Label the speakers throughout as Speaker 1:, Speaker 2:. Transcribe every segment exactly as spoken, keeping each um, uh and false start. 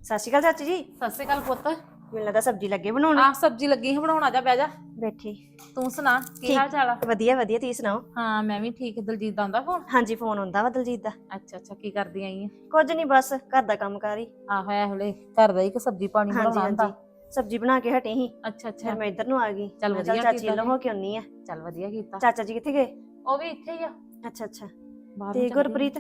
Speaker 1: ਸਤਿ ਸ਼੍ਰੀ ਅਕਾਲ ਚਾਚੀ ਜੀ।
Speaker 2: ਸਤਿ ਸ਼੍ਰੀ ਅਕਾਲ ਪੁੱਤ।
Speaker 1: ਮੈਨੂੰ ਲੱਗਦਾ ਸਬਜ਼ੀ ਲੱਗੇ ਬਣਾਉਣ।
Speaker 2: ਆਹ ਸਬਜ਼ੀ ਲੱਗੀ ਸੀ ਬਣਾਉਣ, ਆ ਜਾ ਬਹਿ ਜਾ।
Speaker 1: ਬੈਠੀ।
Speaker 2: ਤੂੰ ਸੁਣਾ ਕੀ
Speaker 1: ਠੀਕ
Speaker 2: ਹਾਲ ਚਾਲ ਆ?
Speaker 1: ਵਧੀਆ ਵਧੀਆ, ਤੁਸੀਂ ਸੁਣਾਓ?
Speaker 2: ਹਾਂ ਮੈਂ ਵੀ ਠੀਕ। ਦਲਜੀਤ ਦਾ ਆਉਂਦਾ ਫੋਨ?
Speaker 1: ਹਾਂਜੀ ਫੋਨ ਆਉਂਦਾ ਵਾ ਦਲਜੀਤ ਦਾ।
Speaker 2: ਅੱਛਾ ਅੱਛਾ, ਕੀ ਕਰਦੀ ਆਈ ਆ?
Speaker 1: ਕੁਝ ਨਹੀਂ, ਬਸ ਘਰ ਦਾ ਕੰਮ ਕਾਰ ਹੀ।
Speaker 2: ਆਹੋ ਇਹ ਹਲੇ ਘਰ ਦਾ ਹੀ ਕਿ ਸਬਜ਼ੀ ਪਾਣੀ
Speaker 1: ਹਾਂਜੀ
Speaker 2: ਬਣਾਉਣਾ ਹੁੰਦਾ?
Speaker 1: ਹਾਂਜੀ, ਸਬਜ਼ੀ ਬਣਾ ਕੇ ਹਟੀ ਸੀ।
Speaker 2: ਅੱਛਾ ਅੱਛਾ,
Speaker 1: ਫਿਰ ਮੈਂ ਇੱਧਰ ਨੂੰ ਆ ਗਈ।
Speaker 2: ਚੱਲ
Speaker 1: ਮੈਂ ਕਿਹਾ
Speaker 2: ਵਧੀਆ
Speaker 1: ਚਾਚੀ
Speaker 2: ਕੀਤਾ
Speaker 1: ਵੱਲੋਂ
Speaker 2: ਜੀ।
Speaker 1: ਹੋ ਕੇ ਆਉਣੀ ਆ।
Speaker 2: ਚੱਲ ਵਧੀਆ ਕੀਤਾ।
Speaker 1: ਚਾਚਾ ਜੀ ਕਿੱਥੇ ਗਏ?
Speaker 2: ਉਹ ਵੀ ਇੱਥੇ ਹੀ ਆ
Speaker 1: ਅੱਛਾ ਅੱਛਾ।
Speaker 2: ਬਾਹਰ ਨੂੰ
Speaker 1: ਤੇ
Speaker 2: ਚੱਲ ਗਏ।
Speaker 1: ਗੁਰਪ੍ਰੀਤ?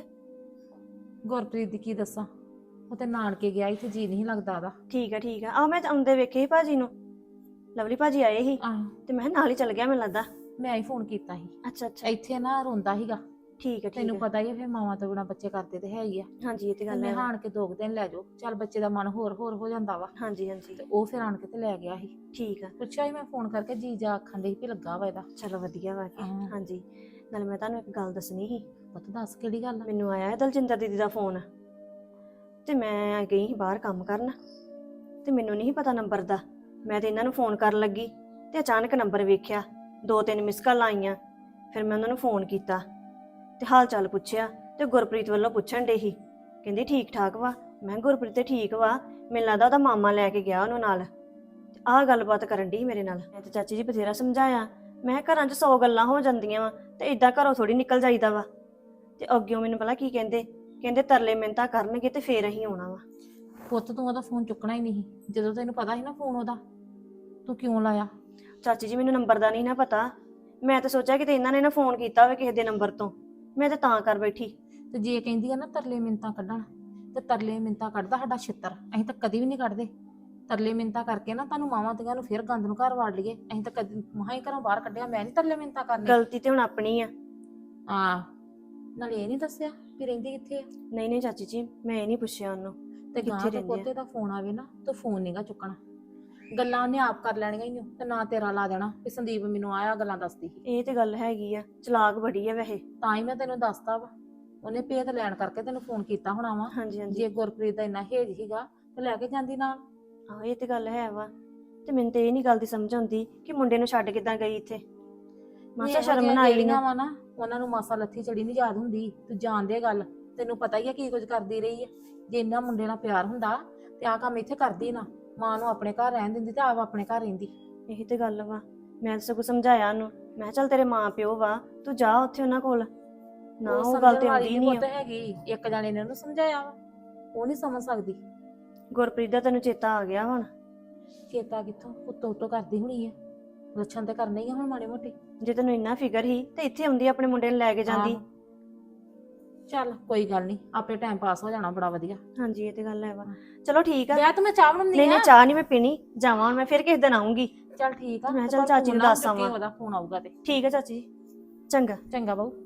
Speaker 2: ਗੁਰਪ੍ਰੀਤ ਦੀ ਕੀ ਦੱਸਾਂ, ਉਹ ਤੇ ਨਾਨਕੇ ਗਿਆ, ਇੱਥੇ ਜੀ ਨਹੀਂ ਲੱਗਦਾ ਉਹਦਾ।
Speaker 1: ਠੀਕ ਆ ਠੀਕ ਆ। ਆਹ ਮੈਂ ਆਉਂਦੇ ਵੇਖੇ ਸੀ ਭਾਜੀ ਨੂੰ, ਲਵਲੀ ਭਾਜੀ ਆਏ ਸੀ
Speaker 2: ਆਹੋ
Speaker 1: ਤੇ ਮੈਂ ਕਿਹਾ ਨਾਲ ਹੀ ਚੱਲ ਗਿਆ ਮੈਨੂੰ ਲੱਗਦਾ।
Speaker 2: ਮੈਂ ਹੀ ਫੋਨ ਕੀਤਾ ਸੀ।
Speaker 1: ਅੱਛਾ ਅੱਛਾ
Speaker 2: ਇੱਥੇ ਨਾ ਰੋਂਦਾ ਸੀਗਾ।
Speaker 1: ਠੀਕ ਆ ਠੀਕ
Speaker 2: ਤੈਨੂੰ
Speaker 1: ਆ।
Speaker 2: ਪਤਾ ਹੀ ਆ ਫਿਰ ਮਾਵਾਂ ਤੋਂ ਬਿਨਾਂ ਬੱਚੇ ਕਰਦੇ ਤੇ ਹੈ ਹੀ ਆ।
Speaker 1: ਹਾਂਜੀ ਇਹ ਤੇ
Speaker 2: ਤੇ
Speaker 1: ਗੱਲ
Speaker 2: ਮੈਂ
Speaker 1: ਹੈ ਵਾ।
Speaker 2: ਹਾਣ ਕੇ ਦੋ ਕੁ ਦਿਨ ਲੈ ਜਾਓ, ਚੱਲ ਬੱਚੇ ਦਾ ਮਨ ਹੋਰ ਹੋਰ ਹੋ ਜਾਂਦਾ ਵਾ।
Speaker 1: ਹਾਂਜੀ ਹਾਂਜੀ
Speaker 2: ਤੇ ਉਹ ਫਿਰ ਆਣ ਕੇ ਤੇ ਲੈ ਗਿਆ ਸੀ।
Speaker 1: ਠੀਕ ਆ।
Speaker 2: ਪੁੱਛਿਆ ਸੀ ਮੈਂ ਫੋਨ ਕਰਕੇ, ਜੀਜਾ ਆਖਣ ਡਈ ਵੀ ਲੱਗਾ ਵਾ ਇਹਦਾ।
Speaker 1: ਚਲੋ ਵਧੀਆ ਵਾ ਕੇ।
Speaker 2: ਹਾਂ।
Speaker 1: ਹਾਂਜੀ ਨਾਲ ਮੈਂ ਤੁਹਾਨੂੰ ਇੱਕ ਗੱਲ ਦੱਸਣੀ ਸੀ।
Speaker 2: ਪੁੱਤ ਦੱਸ ਕਿਹੜੀ ਗੱਲ ਆ?
Speaker 1: ਮੈਨੂੰ ਆਇਆ ਦਲਜਿੰਦਰ ਦੀਦੀ ਦਾ ਫੋਨ ਤੇ ਮੈਂ ਗਈ ਸੀ ਬਾਹਰ ਕੰਮ ਕਰਨ ਤੇ ਮੈਨੂੰ ਨਹੀਂ ਪਤਾ ਨੰਬਰ ਦਾ। ਮੈਂ ਤੇ ਇਹਨਾਂ ਨੂੰ ਫੋਨ ਕਰਨ ਲੱਗੀ ਤੇ ਅਚਾਨਕ ਨੰਬਰ ਵੇਖਿਆ, ਦੋ ਤਿੰਨ ਮਿਸ ਕਾਲ ਆਈਆਂ। ਫਿਰ ਮੈਂ ਉਹਨਾਂ ਨੂੰ ਫੋਨ ਕੀਤਾ ਤੇ ਹਾਲ ਚਾਲ ਪੁੱਛਿਆ ਤੇ ਗੁਰਪ੍ਰੀਤ ਵੱਲੋਂ ਪੁੱਛਣ ਡੇ ਸੀ, ਕਹਿੰਦੀ ਠੀਕ ਠਾਕ ਵਾ। ਮੈਂ ਗੁਰਪ੍ਰੀਤ ਤੇ ਠੀਕ ਵਾ, ਮੈਨੂੰ ਲੱਗਦਾ ਉਹਦਾ ਮਾਮਾ ਲੈ ਕੇ ਗਿਆ ਉਹਨੂੰ ਨਾਲ। ਤੇ ਆਹ ਗੱਲਬਾਤ ਕਰਨ ਡੀ ਮੇਰੇ ਨਾਲ। ਮੈਂ ਤੇ ਚਾਚੀ ਜੀ ਬਥੇਰਾ ਸਮਝਾਇਆ, ਮੈਂ ਘਰਾਂ 'ਚ ਸੌ ਗੱਲਾਂ ਹੋ ਜਾਂਦੀਆਂ ਵਾ ਤੇ ਇਦਾਂ ਘਰੋਂ ਥੋੜੀ ਨਿਕਲ ਜਾਈਦਾ ਵਾ। ਤੇ ਅੱਗਿਓਂ ਮੈਨੂੰ ਪਤਾ ਕੀ ਕਹਿੰਦੇ, ਕਹਿੰਦੇ ਤਰਲੇ ਮਿੰਨਤਾਂ ਕਰਨਗੇ ਤੇ ਫੇਰ ਅਸੀਂ ਆਉਣਾ ਵਾ।
Speaker 2: ਪੁੱਤ ਤੂੰ ਉਹਦਾ ਫੋਨ ਚੁੱਕਣਾ ਹੀ ਨਹੀਂ ਸੀ। ਜਦੋਂ ਤੈਨੂੰ ਪਤਾ ਸੀ ਨਾ ਫੋਨ ਉਹਦਾ, ਤੂੰ ਕਿਉਂ ਲਾਇਆ?
Speaker 1: ਚਾਚੀ ਜੀ ਮੈਨੂੰ ਨੰਬਰ ਦਾ ਨਹੀਂ ਨਾ ਪਤਾ। ਮੈਂ ਤਾਂ ਸੋਚਿਆ ਕਿ ਇਹਨਾਂ ਨੇ ਨਾ ਫੋਨ ਕੀਤਾ ਹੋਵੇ ਕਿਸੇ ਦੇ ਨੰਬਰ ਤੋਂ, ਮੈਂ ਤਾਂ ਤਾਂ ਕਰ ਬੈਠੀ।
Speaker 2: ਤੇ ਜੇ ਕਹਿੰਦੀ ਆ ਨਾ ਤਰਲੇ ਮਿੰਨਤਾਂ ਕੱਢਣ, ਤੇ ਤਰਲੇ ਮਿੰਨਤਾਂ ਕੱਢਦਾ ਸਾਡਾ ਛਿੱਤਰ। ਅਸੀਂ ਤਾਂ ਕਦੀ ਵੀ ਨਹੀਂ ਕੱਢਦੇ ਤਰਲੇ ਮਿੰਨਤਾਂ ਕਰਕੇ ਨਾ ਤੁਹਾਨੂੰ ਮਾਵਾਂ ਧੀਆਂ ਨੂੰ ਫੇਰ ਗੰਦ ਨੂੰ ਘਰ ਵਾੜ ਲਈਏ। ਅਸੀਂ ਤਾਂ ਕਦੀ ਮਹਾਂ ਹੀ ਘਰੋਂ ਬਾਹਰ ਕੱਢਿਆ। ਮੈਂ ਨਹੀਂ ਤਰਲੇ ਮਿੰਨਤਾਂ ਕਰਨੀ।
Speaker 1: ਗਲਤੀ ਤੇ ਹੁਣ ਆਪਣੀ ਆ।
Speaker 2: ਹਾਂ, ਨਾਲੇ ਇਹ ਨਹੀਂ ਦੱਸਿਆ ਵੀ ਰਹਿੰਦੀ ਕਿੱਥੇ ਆ।
Speaker 1: ਨਹੀਂ ਨਹੀਂ ਚਾਚੀ ਜੀ, ਮੈਂ ਇਹ ਨਹੀਂ ਪੁੱਛਿਆ ਉਹਨੂੰ
Speaker 2: ਤੇ ਗਾਂ
Speaker 1: ਕਿੱਥੇ
Speaker 2: ਤੋਂ
Speaker 1: ਰਹਿੰਦੇ ਆ।
Speaker 2: ਪੋਤੇ ਦਾ ਫੋਨ ਆਵੇ ਨਾ ਤਾਂ ਫੋਨ ਨਹੀਂਗਾ ਚੁੱਕਣਾ। ਗੱਲਾਂ ਉਹਨੇ ਆਪ ਕਰ ਲੈਣੀਆਂ ਹੀ ਤੇ ਨਾ ਤੇਰਾ ਲਾ ਦੇਣਾ ਵੀ ਸੰਦੀਪ ਮੈਨੂੰ ਆਇਆ ਗੱਲਾਂ ਦੱਸਦੀ ਸੀ।
Speaker 1: ਇਹ ਤੇ ਗੱਲ ਹੈਗੀ ਆ, ਚਲਾਕ ਬੜੀ ਆ ਵੈਸੇ।
Speaker 2: ਤਾਂ ਹੀ ਮੈਂ ਤੈਨੂੰ ਦੱਸਤਾ ਵਾ, ਉਹਨੇ ਭੇਤ ਲੈਣ ਕਰਕੇ ਤੈਨੂੰ ਫੋਨ ਕੀਤਾ ਹੋਣਾ ਵਾ।
Speaker 1: ਹਾਂਜੀ ਹਾਂਜੀ।
Speaker 2: ਜੇ ਗੁਰਪ੍ਰੀਤ ਦਾ ਇੰਨਾ ਹੇਜ ਸੀਗਾ ਤੇ ਲੈ ਕੇ ਜਾਂਦੀ ਨਾਲ।
Speaker 1: ਹਾਂ ਇਹ ਤੇ ਗੱਲ ਹੈ ਵਾ। ਤੇ ਮੈਨੂੰ ਤੇ ਇਹ ਨਹੀਂ ਗੱਲ ਦੀ ਸਮਝ ਆਉਂਦੀ ਕਿ ਮੁੰਡੇ ਨੂੰ ਛੱਡ ਕਿੱਦਾਂ ਗਈ ਇੱਥੇ। ਮਾਸਾ ਸ਼ਰਮ ਨਾ ਆਈ ਨਾ।
Speaker 2: ਵਾ ਨਾ ਉਹਨਾਂ ਨੂੰ ਮਾਸਾ ਲੱਥੀ ਚੜੀ ਨਹੀਂ ਯਾਦ ਹੁੰਦੀ। ਤੂੰ ਜਾਣਦੇ ਗੱਲ, ਤੈਨੂੰ ਪਤਾ ਹੀ ਆ ਕੀ ਕੁਝ ਕਰਦੀ ਰਹੀ ਹੈ। ਜੇ ਇੰਨਾ ਮੁੰਡੇ ਨਾਲ ਪਿਆਰ ਹੁੰਦਾ ਤੇ ਆਹ ਕੰਮ ਇੱਥੇ ਕਰਦੀ ਨਾ। ਮਾਂ ਨੂੰ ਆਪਣੇ ਘਰ ਰਹਿਣ ਦਿੰਦੀ ਤੇ ਆਪ ਆਪਣੇ ਘਰ ਰਹਿੰਦੀ।
Speaker 1: ਇਹੀ ਤੇ ਗੱਲ ਵਾ। ਮੈਂ ਸਗੋਂ ਸਮਝਾਇਆ ਉਹਨੂੰ, ਮੈਂ ਕਿਹਾ ਚੱਲ ਤੇਰੇ ਮਾਂ ਪਿਓ ਵਾ, ਤੂੰ ਜਾ ਉੱਥੇ ਉਹਨਾਂ ਕੋਲ। ਨਾ ਉਹ ਗੱਲ ਤੇ ਆਉਂਦੀ ਨਹੀਂ ਆ।
Speaker 2: ਹੈਗੀ ਇੱਕ ਜਾਣੇ ਨੇ ਉਹਨੂੰ ਸਮਝਾਇਆ ਵਾ, ਉਹ ਨਹੀਂ ਸਮਝ ਸਕਦੀ।
Speaker 1: ਗੁਰਪ੍ਰੀਤ ਦਾ ਤੈਨੂੰ ਚੇਤਾ ਆ ਗਿਆ ਹੁਣ?
Speaker 2: ਚੇਤਾ ਕਿੱਥੋਂ, ਉੱਤੋਂ ਉੱਤੋਂ ਕਰਦੀ ਹੋਣੀ ਆ। ਲੱਛਣ ਤੇ ਕਰਨੇ ਹੀ ਆ ਹੁਣ ਮਾੜੇ ਮੋਟੇ।
Speaker 1: ਜੇ ਤੈਨੂੰ ਇੰਨਾ ਫਿਕਰ ਸੀ ਤੇ ਇੱਥੇ ਆਉਂਦੀ ਆਪਣੇ ਮੁੰਡੇ ਨੂੰ ਲੈ ਕੇ ਜਾਂਦੀ।
Speaker 2: ਚੱਲ ਕੋਈ ਗੱਲ ਨਹੀਂ, ਆਪੇ ਟਾਈਮ ਪਾਸ ਹੋ ਜਾਣਾ ਬੜਾ ਵਧੀਆ।
Speaker 1: ਹਾਂਜੀ ਇਹ ਤੇ ਗੱਲ ਹੈ ਵਾ। ਚਲੋ ਠੀਕ ਆ।
Speaker 2: ਵਿਆਹ ਤਾਂ ਮੈਂ ਚਾਹ ਬਣਾਉਂਦੀ ਆ।
Speaker 1: ਨਹੀਂ ਨਹੀਂ ਚਾਹ ਨਹੀਂ ਮੈਂ ਪੀਣੀ, ਜਾਵਾਂ ਹੁਣ ਮੈਂ ਫਿਰ ਕਿਸੇ ਦਿਨ ਆਉਂਗੀ।
Speaker 2: ਚੱਲ ਠੀਕ ਆ।
Speaker 1: ਮੈਂ ਚੱਲ ਚਾਚੀ ਨੂੰ ਦੱਸ ਆਵਾਂ।
Speaker 2: ਉਹਦਾ ਫੋਨ ਆਊਗਾ ਤੇ
Speaker 1: ਠੀਕ ਆ ਚਾਚੀ, ਚੰਗਾ
Speaker 2: ਚੰਗਾ ਬਾਊ।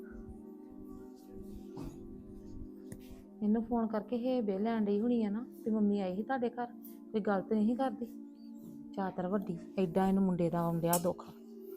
Speaker 2: ਇਹਨੂੰ ਫੋਨ ਕਰਕੇ ਹੇਬੇ ਲੈਣ ਡਈ ਹੋਣੀ ਆ ਨਾ ਤੇ ਮੰਮੀ ਆਈ ਸੀ ਤੁਹਾਡੇ ਘਰ, ਕੋਈ ਗੱਲ ਤੇ ਨਹੀਂ ਕਰਦੀ। ਚਾਤਰ ਵੱਡੀ, ਐਡਾ ਇਹਨੂੰ ਮੁੰਡੇ ਦਾ ਆਉਣ ਡਿਆ ਦੁੱਖ।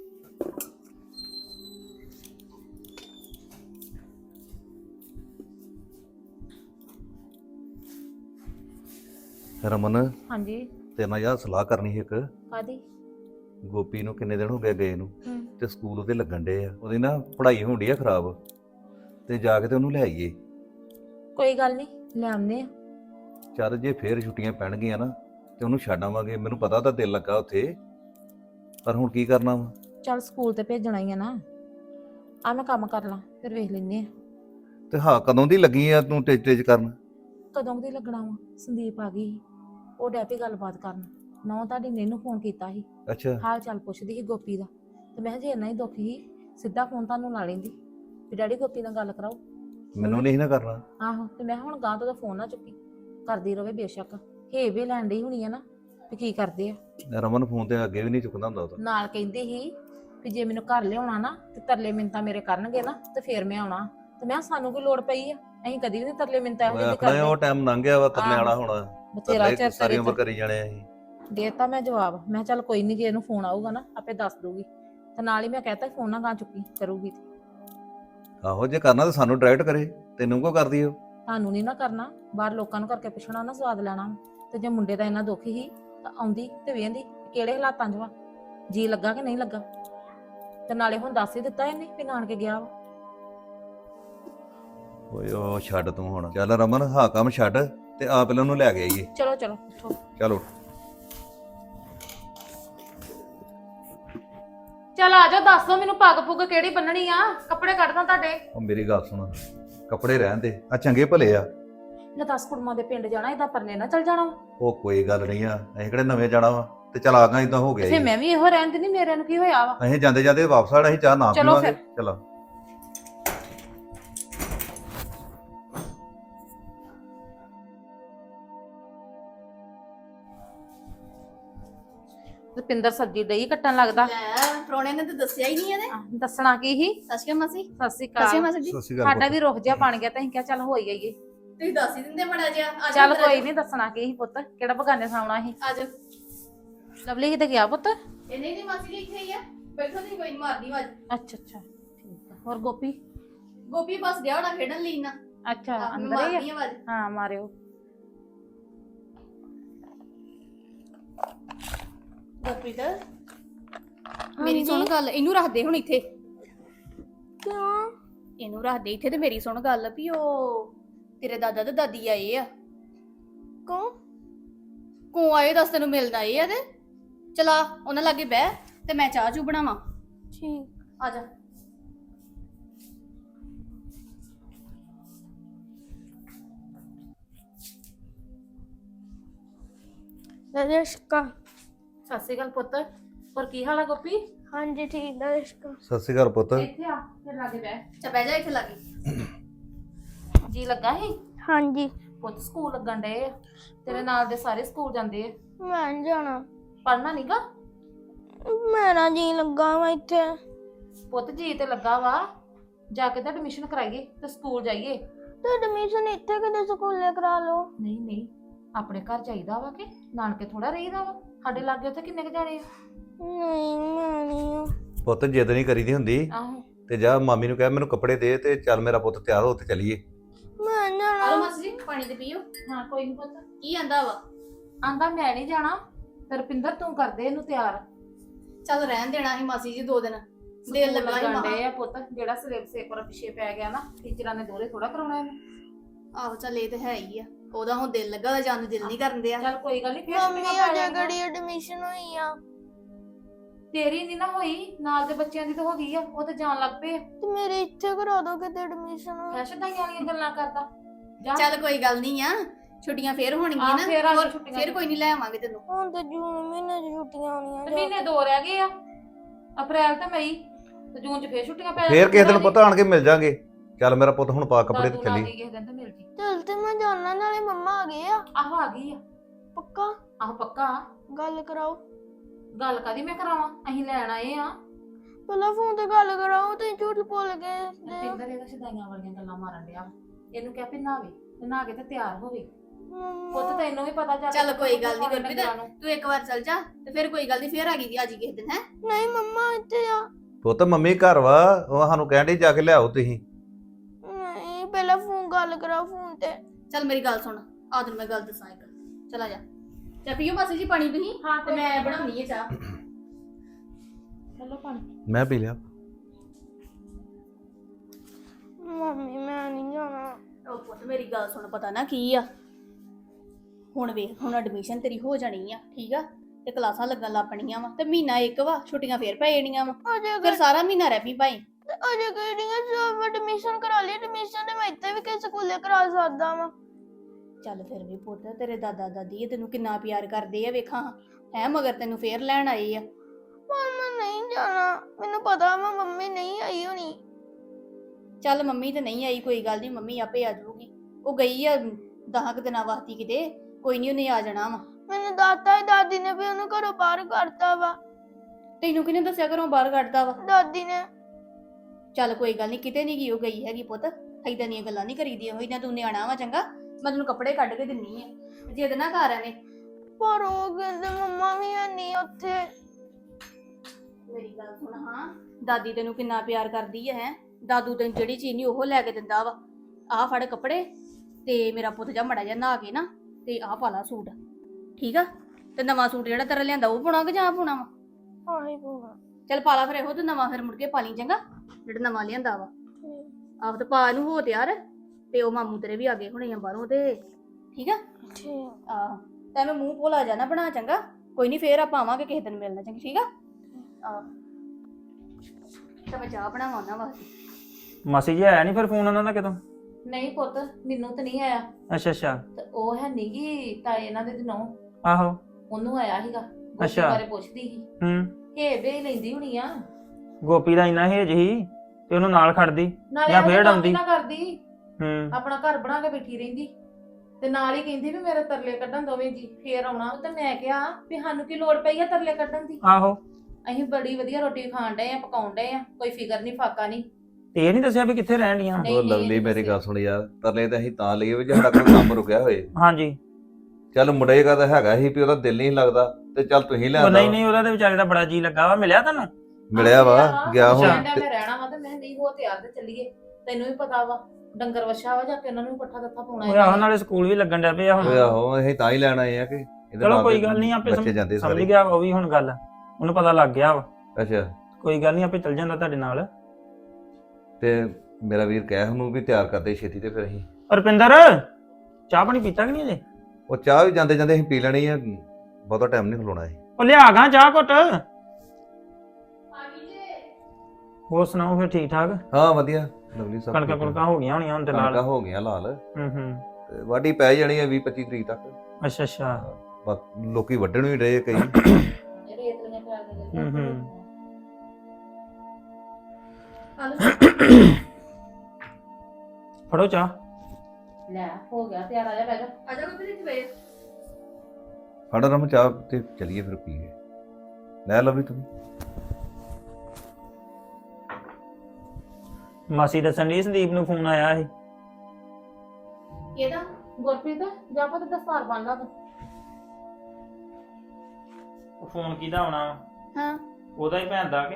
Speaker 3: ਰਮਨ,
Speaker 2: ਹਾਂਜੀ
Speaker 3: ਤੇਰੇ ਨਾਲ ਯਾਰ ਸਲਾਹ ਕਰਨੀ ਸੀ ਇੱਕ।
Speaker 2: ਕਾਦੀ?
Speaker 3: ਗੋਪੀ ਨੂੰ ਕਿੰਨੇ ਦਿਨ ਹੋ ਗਏ ਗਏ ਨੂੰ
Speaker 2: ਹੂੰ
Speaker 3: ਤੇ ਸਕੂਲ ਉਹਦੇ ਲੱਗਣ ਡੇ ਆ। ਉਹਦੀ ਨਾ ਪੜ੍ਹਾਈ ਹੋਣ ਡਈ ਆ ਖਰਾਬ, ਤੇ ਜਾ ਕੇ ਤੇ ਉਹਨੂੰ ਲੈ ਆਈਏ।
Speaker 2: ਕੋਈ ਗੱਲ ਨਹੀਂ, ਲੈ ਆਉਂਦੇ ਆ।
Speaker 3: ਚੱਲ ਜੇ ਫੇਰ ਛੁੱਟੀਆਂ ਪੈਣਗੀਆਂ ਨਾ ਤੇ ਉਹਨੂੰ ਛੱਡ ਆਵਾਂਗੇ। ਮੈਨੂੰ ਪਤਾ ਉਹਦਾ ਦਿਲ ਲੱਗਾ ਉੱਥੇ, ਪਰ ਹੁਣ ਕੀ ਕਰਨਾ ਵਾ।
Speaker 2: ਚੱਲ ਸਕੂਲ ਤੇ ਭੇਜਣਾ ਹੀ ਆ ਨਾ। ਆ ਮੈਂ ਕੰਮ ਕਰ ਲਾਂ ਫਿਰ ਵੇਖ ਲੈਨੇ ਆ।
Speaker 3: ਤੇ ਹਾਂ, ਕਦੋਂ ਦੀ ਲੱਗੀ ਆ ਤੂੰ ਟਿਚ ਟਿਚ ਕਰਨ?
Speaker 2: ਕਦੋਂ ਦੀ ਲੱਗਣਾ ਵਾ? ਸੰਦੀਪ ਆ ਗਈ ਸੀ, ਉਹ ਡੈ ਪਈ ਗੱਲਬਾਤ ਕਰਨ। ਨੌ ਤੁਹਾਡੀ ਨੇ ਇਹਨੂੰ ਫੋਨ ਕੀਤਾ ਸੀ,
Speaker 3: ਅੱਛਾ
Speaker 2: ਹਾਲ ਚਾਲ ਪੁੱਛਦੀ ਸੀ ਗੋਪੀ ਦਾ। ਤੇ ਮੈਂ ਕਿਹਾ ਜੇ ਇੰਨਾ ਹੀ ਦੁੱਖ ਸੀ ਸਿੱਧਾ ਫੋਨ ਤੁਹਾਨੂੰ ਲਾ ਲੈਂਦੀ ਵੀ ਡੈਡੀ ਗੋਪੀ ਨਾਲ ਗੱਲ ਕਰਾਓ।
Speaker 3: ਮੈਨੂੰ ਨਹੀਂ ਨਾ ਕਰਨਾ।
Speaker 2: ਆਹੋ, ਤੇ ਮੈਂ ਕਿਹਾ ਹੁਣ ਗਾਂ ਤੋਂ ਦਾ ਫੋਨ ਨਾ ਚੁੱਕੀ, ਕਰਦੀ ਰਵੇ ਬੇਸ਼ੱਕ। ਹੇਵੇ ਲੈਣ ਡਈ ਹੋਣੀ ਆ ਨਾ ਵੀ ਕੀ ਕਰਦੇ ਆ।
Speaker 3: ਰਮਨ ਫੋਨ ਤੇ ਅੱਗੇ ਵੀ ਨਹੀਂ ਚੁੱਕਦਾ ਹੁੰਦਾ ਉਹਦਾ।
Speaker 2: ਨਾਲ ਕਹਿੰਦੀ ਸੀ ਵੀ ਜੇ ਮੈਨੂੰ ਘਰ ਲਿਆਉਣਾ ਨਾ ਤੇ ਤਰਲੇ ਮਿੰਤਾਂ ਮੇਰੇ ਕਰਨਗੇ ਨਾ ਤੇ ਫੇਰ ਮੈਂ ਆਉਣਾ। ਤੇ ਮੈਂ ਕਿਹਾ ਸਾਨੂੰ ਕੋਈ ਲੋੜ ਪਈ ਆ, ਅਸੀਂ ਕਦੀ ਵੀ ਨਹੀਂ ਤਰਲੇ ਮਿੰਤਾਂ ਇਹੋ ਜਿਹੀ
Speaker 3: ਆਖਣਾ ਉਹ
Speaker 2: ਕਰਦੇ।
Speaker 3: ਟਾਈਮ ਲੰਘ ਗਿਆ ਵਾ, ਤਰਲੇ ਵਾਲਾ ਹੋਣਾ।
Speaker 2: ਬਥੇਰਾ
Speaker 3: ਤਰਲੇ
Speaker 2: ਚਿਰ
Speaker 3: ਸਾਰੀ
Speaker 2: ਤੇਰੇ
Speaker 3: ਉਮਰ
Speaker 2: ਤੇ
Speaker 3: ਕਰੀ ਜਾਣੇ ਅਸੀਂ।
Speaker 2: ਦੇਤਾ ਮੈਂ ਜਵਾਬ। ਮੈਂ ਚੱਲ ਕੋਈ ਨਹੀਂ, ਜੇ ਇਹਨੂੰ ਫੋਨ ਆਊਗਾ ਨਾ ਆਪੇ ਦੱਸ ਦੂਗੀ। ਤੇ ਨਾਲ ਹੀ ਮੈਂ ਕਹਿਤਾ ਫੋਨ ਨਾ ਗਾਂ ਚੁੱਕੀ ਕਰੂਗੀ ਤੇ।
Speaker 3: ਆਹੋ, ਜੇ ਕਰਨਾ ਤਾਂ ਸਾਨੂੰ ਡਾਇਰੈਕਟ ਕਰੇ, ਤੈਨੂੰ ਕਿਉਂ ਕਰਦੀ ਉਹ?
Speaker 2: ਤੁਹਾਨੂੰ ਨਹੀਂ ਨਾ ਕਰਨਾ, ਬਾਹਰ ਲੋਕਾਂ ਨੂੰ ਕਰਕੇ ਪੁੱਛਣਾ ਨਾ ਸਵਾਦ ਲੈਣਾ। ਤੇ ਜੇ ਮੁੰਡੇ ਦਾ ਇੰਨਾ ਦੁੱਖ ਹੀ ਤਾਂ ਆਉਂਦੀ ਤੇ ਵੇਂਦੀ ਕਿਹੜੇ ਹਾਲਾਤਾਂ 'ਚ ਵਾ, ਜੀ ਲੱਗਾ ਕਿ ਨਹੀਂ ਲੱਗਾ। ਤੇ ਨਾਲੇ ਹੁਣ ਦੱਸ ਹੀ ਦਿੱਤਾ ਇਹਨੇ ਵੀ ਨਾਨਕੇ ਗਿਆ ਵਾ।
Speaker 3: ਓਏ ਉਹ ਛੱਡ ਤੂੰ ਹੁਣ। ਚੱਲ ਰਮਨ, ਹਾਂ ਕੰਮ ਛੱਡ ਤੇ ਆ ਪਹਿਲਾਂ ਉਹਨੂੰ ਲੈ ਕੇ ਆਈਏ।
Speaker 2: ਚਲੋ ਚਲੋ ਉੱਠੋ।
Speaker 3: ਚਲੋ
Speaker 2: ਚੱਲ ਆ ਜਾਓ, ਦੱਸ ਦੋ ਮੈਨੂੰ ਪੱਗ ਪੁੱਗ ਕਿਹੜੀ ਬੰਨਣੀ ਆ, ਕੱਪੜੇ ਕੱਢਦਾ ਤੁਹਾਡੇ।
Speaker 3: ਉਹ ਮੇਰੀ ਗੱਲ ਸੁਣ, ਕੱਪੜੇ ਰਹਿਣ ਦੇ, ਆ ਚੰਗੇ ਭਲੇ ਆ।
Speaker 2: ਨਾ ਦਸ ਕੁੜਮਾਂ ਦੇ ਪਿੰਡ ਜਾਣਾ, ਏਦਾਂ ਪਰਨੇ ਨਾ ਚੱਲ ਜਾਣਾ।
Speaker 3: ਉਹ ਕੋਈ ਗੱਲ ਨਹੀਂ ਆ, ਅਸੀਂ ਕਿਹੜੇ ਨਵੇਂ ਜਾਣਾ ਵਾ, ਤੇ ਚਲ ਆ ਗਾ ਇਦਾਂ ਹੋ ਗਿਆ
Speaker 2: ਫੇ
Speaker 3: ਜੀ।
Speaker 2: ਮੈਂ ਵੀ ਇਹੋ ਰਹਿਣ ਦਿੰਦੀ, ਮੇਰੇ ਨੂੰ ਕੀ ਹੋਇਆ ਵਾ।
Speaker 3: ਅਸੀਂ ਜਾਂਦੇ ਜਾਂਦੇ ਵਾਪਸ ਆਣਾ, ਅਸੀਂ ਚਾਹ ਨਾ
Speaker 2: ਚਲੋ
Speaker 3: ਪੀਵਾਂਗੇ।
Speaker 2: ਫਿਰ।
Speaker 3: ਚਲੋ
Speaker 2: ਰੁਪਿੰਦਰ ਸਬਜ਼ੀ ਡਈ ਕੱਟਣ ਲੱਗਦਾ।
Speaker 4: ਲੈ ਪ੍ਰੋਣੇ ਨੇ ਤਾਂ ਦੱਸਿਆ ਹੀ ਨਹੀਂ ਇਹਦੇ।
Speaker 2: ਆਹ, ਦੱਸਣਾ ਕੀ ਸੀ।
Speaker 4: ਸਤਿ ਸ਼੍ਰੀ ਅਕਾਲ ਮਾਸੀ।
Speaker 2: ਸਤਿ ਸ਼੍ਰੀ
Speaker 4: ਸਤਿ ਸ਼੍ਰੀ
Speaker 2: ਅਕਾਲ।
Speaker 4: ਅਕਾਲ ਮਾਸੀ ਜੀ।
Speaker 3: ਸਤਿ ਸ਼੍ਰੀ ਅਕਾਲ
Speaker 2: ਸਾਡਾ
Speaker 3: ਪੁੱਤ।
Speaker 2: ਵੀ ਰੁੱਖ ਜਿਹਾ ਬਣ ਗਿਆ ਤਾਂ ਅਸੀਂ ਕਿਹਾ ਚੱਲ ਹੋਈ ਆਈਏ।
Speaker 4: ਤੁਸੀਂ ਦੱਸ ਹੀ ਦਿੰਦੇ ਬੜਾ ਜਿਹਾ। ਆ
Speaker 2: ਚੱਲ ਕੋਈ ਨਹੀਂ, ਦੱਸਣਾ ਕੀ ਸੀ ਪੁੱਤ, ਕਿਹੜਾ ਬਗਾਨੇ ਸਾਉਣਾ ਸੀ।
Speaker 4: ਆਜੋ।
Speaker 2: ਲਵਲੀ ਕਿਤੇ ਗਿਆ ਪੁੱਤ?
Speaker 4: ਇਹ ਨਹੀਂ ਨਹੀਂ ਮਾਸੀ ਜੀ ਇੱਥੇ ਹੀ ਆ। ਬੈਠੋ ਤੁਸੀਂ, ਕੋਈ ਨੀ, ਮਾਰਦੀ ਆਵਾਜ਼।
Speaker 2: ਅੱਛਾ ਅੱਛਾ ਠੀਕ ਆ। ਹੋਰ ਗੋਪੀ?
Speaker 4: ਗੋਪੀ ਬਸ ਗਿਆ ਹੋਣਾ ਖੇਡਣ ਲਈ ਨਾ।
Speaker 2: ਅੱਛਾ
Speaker 4: ਆਹ, ਮੈਂ
Speaker 2: ਅੰਦਰ ਹੀ
Speaker 4: ਮਾਰਦੀ
Speaker 2: ਆ।
Speaker 4: ਆ ਆਵਾਜ਼।
Speaker 2: ਹਾਂ ਮਾਰਿਓ।
Speaker 4: ਗੋਪੀ ਦਾ ਮੇਰੀ ਸੁਣ ਗੱਲ, ਇਹਨੂੰ ਰੱਖ ਦੇ ਹੁਣ ਇੱਥੇ।
Speaker 1: ਕਿਉਂ?
Speaker 4: ਇਹਨੂੰ ਰੱਖ ਦੇ ਇੱਥੇ ਤੇ ਮੇਰੀ ਸੁਣ ਗੱਲ ਵੀ ਉਹ ਤੇਰੇ ਦਾਦਾ ਤੇ ਦਾਦੀ ਆਏ ਆ।
Speaker 1: ਕੌਣ?
Speaker 4: ਕੋ ਆਏ ਦੱਸ, ਤੈਨੂੰ ਮਿਲਣ ਆਏ ਆ ਤੇ ਚਲਾ ਉਹਨਾਂ ਲਾਗੇ ਬਹਿ ਤੇ ਮੈਂ ਚਾਹ ਚੂ ਬਣਾਵਾਂ।
Speaker 1: ਠੀਕ।
Speaker 4: ਆ ਜਾ।
Speaker 1: ਦਰਸ਼ਕਾ।
Speaker 2: ਸਤਿ ਸ਼੍ਰੀ ਅਕਾਲ ਪੁੱਤ। ਹੋਰ ਕੀ ਹਾਲ ਆ ਗੋਪੀ?
Speaker 1: ਹਾਂਜੀ ਠੀਕ ਦਰਸ਼ਕਾ।
Speaker 3: ਸਤਿ ਸ਼੍ਰੀ ਅਕਾਲ ਪੁੱਤ।
Speaker 2: ਇੱਥੇ ਆ, ਫਿਰ ਲਾਗੇ ਬਹਿ।
Speaker 4: ਚਾ ਬਹਿ ਜਾ ਇੱਥੇ ਲਾਗੇ।
Speaker 2: ਜੀ ਲੱਗਾ ਸੀ
Speaker 1: ਹਾਂਜੀ
Speaker 2: ਪੁੱਤ, ਸਕੂਲ ਲੱਗਣ ਡਏ ਆ, ਤੇਰੇ ਨਾਲ ਦੇ ਸਾਰੇ ਸਕੂਲ ਜਾਂਦੇ ਆ।
Speaker 1: ਮੈਂ ਨੀ ਜਾਣਾ।
Speaker 2: ਪੜ੍ਹਨਾ ਨੀਗਾ
Speaker 1: ਮੇਰਾ ਜੀ ਲੱਗਾ ਵਾ ਇੱਥੇ।
Speaker 2: ਪੁੱਤ, ਜੀ ਤੇ ਲੱਗਾ ਵਾ, ਜਾ ਕੇ ਤਾਂ ਐਡਮਿਸ਼ਨ ਕਰਾਈਏ ਤੇ ਸਕੂਲ ਜਾਈਏ।
Speaker 1: ਤੇ ਐਡਮਿਸ਼ਨ ਇੱਥੇ ਕਿਤੇ ਸਕੂਲੇ ਕਰਾ ਲਓ।
Speaker 2: ਨਹੀਂ ਨਹੀਂ, ਆਪਣੇ ਘਰ ਚਾਹੀਦਾ ਵਾ ਕਿ ਨਾਨਕੇ ਥੋੜਾ ਰਹੀਦਾ ਵਾ। ਸਾਡੇ ਲਾਗੇ ਉੱਥੇ ਕਿੰਨੇ ਕੁ ਜਾਣੇ ਆ।
Speaker 1: ਨਹੀਂ ਮੈਂ ਨਹੀਂ।
Speaker 3: ਪੁੱਤ ਜਿੱਦ ਨਹੀਂ ਕਰੀਦੀ ਹੁੰਦੀ,
Speaker 2: ਆਹੋ
Speaker 3: ਤੇ ਜਾ ਮਾਮੀ ਨੂੰ ਕਹਿ ਮੈਨੂੰ ਕੱਪੜੇ ਦੇ ਤੇ ਚੱਲ ਮੇਰਾ ਪੁੱਤ ਤਿਆਰ ਹੋ ਤੇ ਚੱਲੀਏ।
Speaker 1: ਮੈਂ ਨੀ
Speaker 4: ਆਲੋ
Speaker 1: ਜਾਣਾ।
Speaker 4: ਮਾਸੀ ਜੀ ਪਾਣੀ ਤੇ ਪੀਓ।
Speaker 2: ਹਾਂ ਕੋਈ ਨਹੀਂ ਪੁੱਤ।
Speaker 4: ਕੀ ਆਂਦਾ ਵਾ?
Speaker 2: ਆਂਦਾ ਮੈਂ ਨਹੀਂ ਜਾਣਾ, ਤੇ ਰੁਪਿੰਦਰ ਤੂੰ ਕਰਦੇ ਇਹਨੂੰ ਤਿਆਰ।
Speaker 4: ਚੱਲ ਰਹਿਣ ਦੇਣਾ ਸੀ ਮਾਸੀ ਜੀ ਦੋ ਦਿਨ। ਦਿਲ ਲੱਗਾ ਹੀ
Speaker 2: ਲੱਗਣ
Speaker 4: ਮਹਾ।
Speaker 2: ਡਏ ਆ ਪੁੱਤ, ਜਿਹੜਾ ਸਿਲੇਬਸ ਇੱਕ ਵਾਰ ਪਿੱਛੇ ਪੈ ਗਿਆ ਨਾ, ਟੀਚਰਾਂ ਨੇ ਦੋਰੇ ਥੋੜਾ ਕਰਾਉਣਾ ਇਹਨੂੰ।
Speaker 4: ਆਹੋ ਚੱਲ ਇਹ ਤੇ ਹੈ ਹੀ ਆ। ਉਹਦਾ ਹੁਣ ਦਿਲ ਲੱਗਾ, ਉਹਦਾ ਜਾਣ ਨੂੰ ਦਿਲ ਨਹੀਂ ਕਰਨ ਦਿਆ।
Speaker 2: ਚੱਲ ਕੋਈ ਗੱਲ ਨਹੀਂ, ਫੇਰ
Speaker 1: ਮੰਮੀ
Speaker 2: ਛੁੱਟੀਆਂ ਪੈ
Speaker 1: ਅਜੇ
Speaker 2: ਜਾਣਗੀਆਂ।
Speaker 1: ਗੜੀ ਐਡਮਿਸ਼ਨ ਹੋਈ ਆ
Speaker 2: ਤੇਰੀ ਨਹੀਂ ਨਾ ਹੋਈ, ਨਾਲ ਦੇ ਬੱਚਿਆਂ ਦੀ ਤਾਂ ਹੋ ਗਈ ਆ, ਉਹ ਤੇ ਜਾਣ ਲੱਗ ਪਏ।
Speaker 1: ਤੇ ਮੇਰੇ ਇੱਥੇ ਕਰਾ ਦੋ ਕਿਤੇ ਐਡਮਿਸ਼ਨ।
Speaker 2: ਫੈਸ਼ਨ ਦਾਈਆਂ ਵਾਲੀਆਂ ਗੱਲਾਂ ਕਰਦਾ। ਜਾ
Speaker 4: ਚੱਲ ਕੋਈ ਗੱਲ ਨਹੀਂ ਆ, ਛੁੱਟੀਆਂ ਫੇਰ ਹੋਣਗੀਆਂ
Speaker 2: ਹਾਂ,
Speaker 4: ਨਾ।
Speaker 2: ਫੇਰ ਆ
Speaker 4: ਹੋਰ
Speaker 2: ਛੁੱਟੀਆਂ।
Speaker 4: ਫੇਰ ਕੋਈ ਨਹੀਂ ਲੈ ਆਵਾਂਗੇ ਤੈਨੂੰ।
Speaker 1: ਹੁਣ ਤੇ ਜੂਨ ਮਹੀਨੇ ਚ ਛੁੱਟੀਆਂ ਆਉਣੀਆਂ
Speaker 2: ਤੇ ਮਹੀਨੇ ਦੋ ਰਹਿ ਗਏ ਆ, ਅਪ੍ਰੈਲ ਤੇ ਮਈ, ਤੇ ਜੂਨ ਚ ਫੇਰ ਛੁੱਟੀਆਂ ਪੈ
Speaker 3: ਫੇਰ ਕਿਸੇ ਦਿਨ ਪੁੱਤ ਆਣ ਕੇ ਮਿਲ ਜਾਾਂਗੇ। ਚੱਲ ਮੇਰਾ ਪੁੱਤ ਹੁਣ ਪਾ ਕੱਪੜੇ ਤੇ
Speaker 2: ਦਾਦੂ
Speaker 3: ਚੱਲੀ।
Speaker 2: ਨਾਲ ਕਿਸੇ ਦਿਨ ਤੇ ਮਿਲ ਜੀ।
Speaker 1: ਚੱਲ ਤੇ ਮੈਂ ਜਾਣਾ, ਨਾਲੇ ਮੰਮਾ ਆ ਗਏ ਆ।
Speaker 2: ਆਹੋ ਆ ਗਈ ਆ।
Speaker 1: ਪੱਕਾ
Speaker 2: ਆਹੋ ਪੱਕਾ।
Speaker 1: ਗੱਲ ਕਰਾਓ।
Speaker 2: ਗੱਲ ਕਾਦੀ ਮੈਂ ਕਰਾਵਾਂ, ਅਸੀਂ ਲੈਣ ਆਏ ਆ।
Speaker 1: ਪਹਿਲਾਂ ਫੋਨ ਤੇ ਗੱਲ ਕਰਾਓ, ਤੇ ਝੂਠ ਬੋਲ ਗਏ।
Speaker 2: ਰੁਪਿੰਦਰ ਇਹਦਾ ਸ਼ਦਾਈਆਂ ਵਾਲੀਆਂ ਗੱਲਾਂ ਮਾਰਨ ਡਿਆ। ਇਹਨੂੰ ਕਹਿ ਵੀ ਨਹਾਵੇ, ਤੇ ਨਹਾ ਕੇ ਤੇ ਤਿਆਰ ਹੋਵੇ। ਪੁੱਤ ਤੈਨੂੰ ਵੀ ਪਤਾ ਚੱਲ।
Speaker 4: ਚੱਲ ਕੋਈ ਗੱਲ ਨਹੀਂ
Speaker 2: ਪਾਉਣੇ
Speaker 4: ਗੁਰਪ੍ਰੀਤ,
Speaker 2: ਡੰਗਰਾਂ ਨੂੰ।
Speaker 4: ਤੂੰ ਇੱਕ ਵਾਰ ਚੱਲ ਜਾ ਤੇ ਫਿਰ ਕੋਈ ਗੱਲ ਨਹੀਂ, ਫੇਰ ਆ ਗਈ ਆ ਜੀ ਕਿਸੇ ਦਿਨ। ਹੈ
Speaker 1: ਨਹੀਂ ਮੰਮਾ ਇੱਥੇ ਆ।
Speaker 3: ਪੁੱਤ ਮੰਮੀ ਘਰ ਵਾ, ਉਹ ਸਾਨੂੰ ਕਹਿਣ ਡਈ ਜਾ ਕੇ ਲਿਆਓ ਤੁਸੀਂ।
Speaker 1: ਨਹੀਂ ਪਹਿਲਾਂ ਫੋਨ ਗੱਲ ਕਰਾਓ ਫੋਨ ਤੇ।
Speaker 4: ਚੱਲ ਮੇਰੀ ਗੱਲ ਸੁਣ, ਆ ਤੈਨੂੰ ਮੈਂ ਗੱਲ ਦੱਸਾਂ ਇੱਕ। ਚਲਾ ਜਾ ਚਾ ਪੀਓ ਮਾਸੀ ਜੀ ਪਾਣੀ ਤੁਸੀਂ।
Speaker 2: ਹਾਂ
Speaker 4: ਤੇ ਮੈਂ ਬਣਾਉਣੀ ਹੈ ਚਾਹ।
Speaker 2: ਚਲੋ ਪਾਣੀ।
Speaker 3: ਮੈਂ ਪੀ ਲਿਆ।
Speaker 1: ਮੰਮੀ ਮੈਂ ਨਹੀਂ ਜਾਣਾ।
Speaker 4: ਉਹ ਪੁੱਤ ਮੇਰੀ ਗੱਲ ਸੁਣ, ਪਤਾ ਨਾ ਕੀ ਆ, ਹੁਣ ਵੇਖ ਹੁਣ ਐਡਮਿਸ਼ਨ ਤੇਰੀ ਹੋ ਜਾਣੀ ਆ, ਠੀਕ ਆ, ਤੇ ਕਲਾਸਾਂ ਲੱਗਣ ਲੱਗ ਪਣੀਆਂ ਵਾ, ਤੇ ਮਹੀਨਾ ਇੱਕ ਵਾ, ਛੁੱਟੀਆਂ ਫੇਰ ਪੈ ਜਾਣੀਆਂ ਵਾ,
Speaker 1: ਅਜੇ
Speaker 4: ਫਿਰ ਸਾਰਾ ਮਹੀਨਾ ਰਹਿ ਪਈ ਭਾਈ।
Speaker 1: ਅਜੇ ਕਿਹੜੀਆਂ ਸਭ ਐਡਮਿਸ਼ਨ ਕਰਾ ਲਈ। ਐਡਮਿਸ਼ਨ ਤੇ ਮੈਂ ਇੱਥੇ ਵੀ ਕਿਸੇ ਸਕੂਲੇ ਕਰਾ ਸਕਦਾ ਵਾਂ।
Speaker 4: ਚੱਲ ਫਿਰ ਵੀ ਪੁੱਤ, ਤੇਰੇ ਦਾਦਾ ਦਾਦੀ ਤੈਨੂੰ ਕਿੰਨਾ ਪਿਆਰ ਕਰਦੇ ਆ, ਵੇਖਾਂ ਹੈ, ਮਗਰ ਤੈਨੂੰ ਫੇਰ ਲੈਣ ਆਏ ਆ।
Speaker 1: ਪਰ ਮੈਂ ਨਹੀਂ ਜਾਣਾ, ਮੈਨੂੰ ਪਤਾ ਵਾ ਮੰਮੀ ਨਹੀਂ ਆਈ ਹੋਣੀ।
Speaker 4: ਚੱਲ ਮੰਮੀ ਤੇ ਨਹੀਂ ਆਈ, ਕੋਈ ਗੱਲ ਨਹੀਂ, ਮੰਮੀ ਆਪੇ ਆ ਜਾਊਗੀ। ਉਹ ਗਈ ਆ ਦਸਾਂ ਕੁ ਦਿਨਾਂ ਵਾਸਤੇ ਕਿਤੇ, ਕੋਈ ਨਹੀਂ ਉਹਨੇ ਆ ਜਾਣਾ ਵਾ।
Speaker 1: ਮੈਨੂੰ ਦਾਦਾ ਹੀ ਦਾਦੀ ਨੇ ਵੀ ਉਹਨੂੰ ਘਰੋਂ ਬਾਹਰ ਕੱਢਤਾ ਵਾ।
Speaker 4: ਤੈਨੂੰ ਕਿਹਨੇ ਦੱਸਿਆ ਘਰੋਂ ਬਾਹਰ ਕੱਢਦਾ ਵਾ?
Speaker 1: ਦਾਦੀ ਨੇ।
Speaker 4: ਚੱਲ ਕੋਈ ਗੱਲ ਨਹੀਂ, ਕਿਤੇ ਨਹੀਂ ਗਈ ਉਹ, ਗਈ ਹੈਗੀ ਪੁੱਤ। ਏਦਾਂ ਦੀਆਂ ਗੱਲਾਂ ਨਹੀਂ ਕਰੀਦੀਆਂ ਹੋਈ ਨਾ, ਤੂੰ ਨਿਆਣਾ ਵਾ ਚੰਗਾ। ਮੈਂ ਤੈਨੂੰ ਕੱਪੜੇ ਕੱਢ ਕੇ ਦਿੰਨੀ ਆ, ਜਿੱਦ ਨਾ ਕਰ ਐਵੇਂ।
Speaker 1: ਪਰ ਉਹ ਕਹਿੰਦੇ ਮੰਮਾ ਵੀ ਹੈ ਨਹੀਂ ਉੱਥੇ।
Speaker 4: ਮੇਰੀ ਗੱਲ ਸੁਣ, ਹਾਂ ਦਾਦੀ ਤੈਨੂੰ ਕਿੰਨਾ ਪਿਆਰ ਕਰਦੀ ਹੈ, ਹੈ ਦਾਦੂ ਤੈਨੂੰ ਜਿਹੜੀ ਚੀਜ਼ ਨਹੀਂ ਉਹ ਲੈ ਕੇ ਦਿੰਦਾ ਵਾ। ਆਹ ਫੜ ਕੱਪੜੇ, ਤੇ ਮੇਰਾ ਪੁੱਤ ਜਾ ਮੜਾ ਜਾ ਨਹਾ ਕੇ ਨਾ, ਤੇ ਆਹ ਪਾ ਲਾ ਸੂਟ, ਠੀਕ ਆ। ਤੇ ਨਵਾਂ ਸੂਟ ਜਿਹੜਾ ਤੇਰਾ ਲਿਆਂਦਾ ਉਹ ਪਾਉਣਾ ਕਿ ਜਾਂ ਪਾਉਣਾ ਵਾ?
Speaker 1: ਆਹੀ ਪੂਰਾ।
Speaker 4: ਚੱਲ ਪਾ ਲਾ ਫਿਰ ਇਹੋ, ਤੇ ਨਵਾਂ ਫਿਰ ਮੁੜ ਕੇ ਪਾ ਲਈ ਚੰਗਾ, ਜਿਹੜਾ ਨਵਾਂ ਲਿਆਂਦਾ ਵਾ। ਆਹ ਤੇ ਪਾ ਇਹਨੂੰ ਹੋ ਤਿਆਰ, ਤੇ ਉਹ ਮਾਮੂ ਤੇਰੇ ਵੀ ਆ ਗਏ ਹੋਣੇ ਆ ਬਾਹਰੋਂ, ਤੇ ਠੀਕ ਆ ਆਹ ਤੇ ਮੈਂ ਮੂੰਹ ਭੋਲਾ ਜਾਣਾ ਬਣਾ ਚੰਗਾ ਕੋਈ ਨਹੀਂ ਫੇਰ ਆਪਾਂ ਆਵਾਂਗੇ ਕਿਸੇ ਦਿਨ ਮਿਲਣਾ ਚੰਗਾ ਠੀਕ ਆ ਆਹ ਤਾਂ ਮੈਂ ਚਾਹ ਬਣਾਵਾਂ ਉਹਨਾਂ ਵਾਸਤੇ
Speaker 5: ਮਾਸੀ ਜੀ ਆਇਆ ਨਹੀਂ ਫਿਰ ਫੋਨ ਉਹਨਾਂ ਦਾ ਕਿਤੋਂ?
Speaker 2: ਨਹੀਂ ਪੁੱਤ ਮੈਨੂੰ ਤਾਂ ਨਹੀਂ ਆਇਆ
Speaker 5: ਅੱਛਾ ਅੱਛਾ
Speaker 2: ਤੇ ਉਹ ਹੈ ਨੀ ਗੀ ਤਾਏ ਇਹਨਾਂ ਦੇ ਦਿਨੋਂ
Speaker 5: ਆਹੋ
Speaker 2: ਉਹਨੂੰ ਆਇਆ ਸੀਗਾ ਗੋਪੀ
Speaker 5: ਅੱਛਾ।
Speaker 2: ਬਾਰੇ ਪੁੱਛਦੀ ਸੀ
Speaker 5: ਹੂੰ
Speaker 2: ਹੇਬੇ ਹੀ ਲੈਂਦੀ ਹੋਣੀ ਆ
Speaker 5: ਗੋਪੀ ਦਾ ਇੰਨਾ ਹੇਜ ਹੀ ਤੇ ਉਹਨੂੰ ਨਾਲ ਖੜਦੀ
Speaker 2: ਨਾਲੇ
Speaker 5: ਜਾਂ
Speaker 2: ਉਹ
Speaker 5: ਫੇਰ
Speaker 2: ਕੰਮ
Speaker 5: ਆਉਂਦੀ।
Speaker 2: ਹੀ ਨਾ ਕਰਦੀ
Speaker 5: ਹੂੰ
Speaker 2: ਆਪਣਾ ਘਰ ਬਣਾ ਕੇ ਬੈਠੀ ਰਹਿੰਦੀ ਤੇ ਨਾਲ ਹੀ ਕਹਿੰਦੀ ਵੀ ਮੇਰੇ ਤਰਲੇ ਕੱਢਣ ਦੋਵੇਂ ਜੀ ਫੇਰ ਆਉਣਾ ਤੇ ਮੈਂ ਕਿਹਾ ਵੀ ਸਾਨੂੰ ਕੀ ਲੋੜ ਪਈ ਆ ਤਰਲੇ ਕੱਢਣ ਦੀ
Speaker 5: ਆਹੋ
Speaker 2: ਅਸੀਂ ਬੜੀ ਵਧੀਆ ਰੋਟੀ ਖਾਣ ਡਏ ਆ ਪਕਾਉਣ ਡਏ ਆ ਕੋਈ ਫਿਕਰ ਨਹੀਂ ਫਾਕਾ ਨਹੀਂ
Speaker 5: ਤੇ ਇਹ ਨਹੀਂ ਦੱਸਿਆ ਵੀ ਕਿੱਥੇ ਰਹਿਣ ਡੀਆਂ?
Speaker 2: ਨਹੀਂ,
Speaker 3: ਉਹ
Speaker 2: ਨਹੀਂ,
Speaker 3: ਲਵਲੀ
Speaker 2: ਇਹ
Speaker 3: ਮੇਰੀ
Speaker 2: ਦੱਸਿਆ।
Speaker 3: ਗੱਲ ਸੁਣ ਯਾਰ ਤਰਲੇ ਤਾਂ ਅਸੀਂ ਤਾਂ ਲਈਏ ਵੀ ਜੇ ਸਾਡਾ ਕੋਈ ਕੰਮ ਰੁਕਿਆ ਹੋਏ
Speaker 5: ਹਾਂਜੀ
Speaker 3: ਚੱਲ ਮੁੰਡੇ ਦਾ ਤਾਂ ਹੈਗਾ ਸੀ ਵੀ ਉਹਦਾ ਦਿਲ ਨਹੀਂ ਲੱਗਦਾ ਤੇ ਚੱਲ ਤੁਸੀਂ
Speaker 5: ਉਹ
Speaker 3: ਲਿਆਂਦਾ
Speaker 5: ਨਹੀਂ ਨਹੀਂ ਉਹਦਾ ਤੇ ਵਿਚਾਰੇ ਦਾ ਬੜਾ ਜੀ ਲੱਗਾ ਵਾ ਮਿਲਿਆ ਤੁਹਾਨੂੰ?
Speaker 3: ਮਿਲਿਆ ਵਾ ਗਿਆ ਹੁਣ
Speaker 2: ਕਹਿੰਦਾ ਮੈਂ ਰਹਿਣਾ ਵਾ ਤੇ ਮੈਂ ਨਹੀਂ ਹੋ ਤਿਆਰ ਤੇ ਚੱਲੀਏ ਤੈਨੂੰ ਵੀ ਪਤਾ ਵਾ ਡੰਗਰ ਵਛਾ ਵਾ ਜਾ ਕੇ ਉਹਨਾਂ ਨੂੰ ਵੀ ਪੱਠਾ ਦੱਥਾ ਪਾਉਣਾ
Speaker 5: ਉਹ ਆਹੋ ਨਾਲੇ ਸਕੂਲ ਵੀ ਲੱਗਣ ਡਿਆ ਪਿਆ
Speaker 3: ਓਏ
Speaker 5: ਹੁਣ।
Speaker 3: ਆਹੋ ਅਸੀਂ ਤਾਂ ਹੀ ਲੈਣ ਆਏ ਆ ਕਿ ਇਹਦੇ
Speaker 5: ਚਲੋ
Speaker 3: ਨਾਲ
Speaker 5: ਕੋਈ
Speaker 3: ਤੇ
Speaker 5: ਗੱਲ ਨਹੀਂ ਆਪੇ
Speaker 3: ਬੱਚੇ ਜਾਂਦੇ
Speaker 5: ਸਮਝ
Speaker 3: ਸਾਰੇ
Speaker 5: ਗਿਆ ਉਹ ਵੀ ਹੁਣ ਗੱਲ ਉਹਨੂੰ ਪਤਾ ਲੱਗ ਗਿਆ ਵਾ
Speaker 3: ਅੱਛਾ
Speaker 5: ਕੋਈ ਗੱਲ ਨਹੀਂ ਆਪੇ ਚੱਲ ਜਾਂਦਾ ਤੁਹਾਡੇ ਨਾਲ।
Speaker 3: ਤੇ ਮੇਰਾ ਵੀਰ ਕਹਿ ਉਹਨੂੰ ਵੀ ਤਿਆਰ ਕਰਦੇ ਛੇਤੀ ਤੇ ਫਿਰ ਅਸੀਂ
Speaker 5: ਰੁਪਿੰਦਰ ਚਾਹ ਪਾਣੀ ਪੀਤਾ ਕਿ ਨਹੀਂ ਅਜੇ?
Speaker 3: ਉਹ ਚਾਹ ਵੀ ਜਾਂਦੇ ਜਾਂਦੇ ਅਸੀਂ ਪੀ ਲੈਣੀ ਆ ਬਹੁਤਾ ਟਾਈਮ ਨਹੀਂ ਖਲੋਣਾ ਹੈ
Speaker 5: ਉਹ ਲਿਆ ਗਾ ਚਾਹ ਘੁੱਟ। ਹੋਰ ਸੁਣਾਓ ਫਿਰ ਠੀਕ ਠਾਕ?
Speaker 3: ਹਾਂ ਵਧੀਆ ਲਵਲੀ ਸਭ
Speaker 5: ਕਣਕਾਂ ਕੁਣਕਾਂ ਹੋ ਗਈਆਂ ਹੋਣੀਆਂ ਹੁਣ ਤੇ ਨਾਲ।
Speaker 3: ਕਣਕਾਂ ਹੋ ਗਈਆਂ ਲਾਲ
Speaker 5: ਹੂੰ ਹੂੰ
Speaker 3: ਤੇ ਵਾਢੀ ਪੈ ਜਾਣੀ ਹੈ ਵੀਹ ਪੱਚੀ ਤਰੀਕ ਤੱਕ
Speaker 5: ਅੱਛਾ ਅੱਛਾ
Speaker 3: ਬਸ ਲੋਕੀ ਵੱਢਣ ਵੀ ਰਹੇ ਕਈ
Speaker 2: ਰੇਤਲੀਆਂ ਪਿਆ ਕੇ
Speaker 5: ਹੂੰ ਹੂੰ ਫੜੋ ਚਾਹ।
Speaker 2: ਲੈ ਹੋ ਗਿਆ ਤਿਆਰ ਆ ਜਾ ਬੈਠ
Speaker 4: ਆ ਜਾ ਕੋਈ ਨਹੀਂ ਵੇ
Speaker 3: ਫੜ ਰਮ ਚਾਹ ਤੇ ਚਲੀਏ ਫਿਰ ਪੀਏ ਲੈ ਲਵਲੀ ਤੂੰ
Speaker 5: ਮਾਸੀ ਦੱਸਣ ਦੀ ਸੰਦੀਪ ਨੂੰ ਫੋਨ ਆਇਆ ਸੀ।
Speaker 2: ਕਿਹਦਾ ਗੁਰਪ੍ਰੀਤ ਜਾ ਪੁੱਤ ਦਸਤਾਰ ਬੰਨ ਲਾ ਤੂੰ
Speaker 5: ਫੋਨ ਕਿਹਦਾ ਆਉਣਾ?
Speaker 4: ਹਾਂ
Speaker 5: ਉਹਦਾ ਹੀ ਭੈਣ ਦਾ ਕਿ?